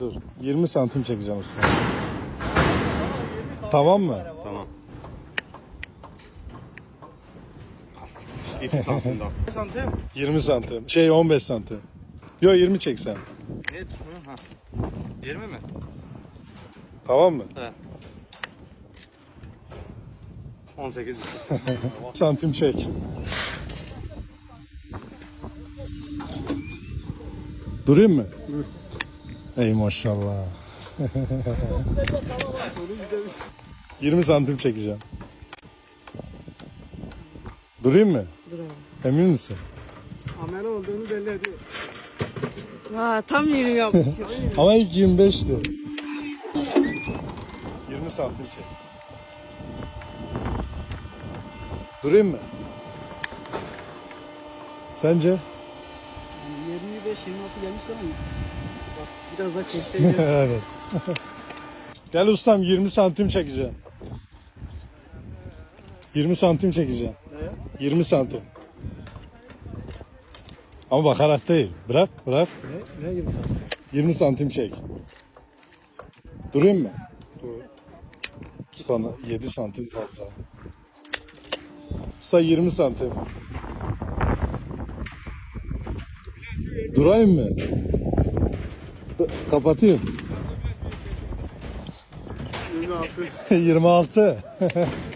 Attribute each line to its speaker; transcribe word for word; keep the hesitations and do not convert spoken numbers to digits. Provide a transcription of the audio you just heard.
Speaker 1: Dur. yirmi santim çekeceğim usta. Tamam mı?
Speaker 2: Tamam. iki santim daha. Ne santim?
Speaker 1: yirmi santim. Şey on beş santim. Yo yirmi çeksen.
Speaker 2: Ne? Ha. yirmi mi?
Speaker 1: Tamam mı?
Speaker 2: Evet. on sekiz.
Speaker 1: Santim çek. Durayım mı? Dur. Ey maşallah. yirmi santim çekeceğim. Durayım mı?
Speaker 3: Dur abi.
Speaker 1: Emin misin?
Speaker 3: Amele olduğunu belli ediyor. Ha, tam yeni yapmışım.
Speaker 1: Ama ilk yirmi beşti. yirmi santim çek. Durayım mı? Sence?
Speaker 3: yirmi beş yirmi altı gelmiş ama bak biraz daha çekseydim.
Speaker 1: Evet. Gel ustam yirmi santim çekeceğim. yirmi santim çekeceğim.
Speaker 3: Ne?
Speaker 1: yirmi santim. Ama bakarak değil. Bırak, bırak.
Speaker 3: Ne? Ne gibi santim?
Speaker 1: yirmi santim çek. Durayım mı?
Speaker 3: Dur.
Speaker 1: Usta yedi santim fazla. Usta yirmi santim. Durayım mı? Kapatayım.
Speaker 3: yirmi altı.
Speaker 1: yirmi altı.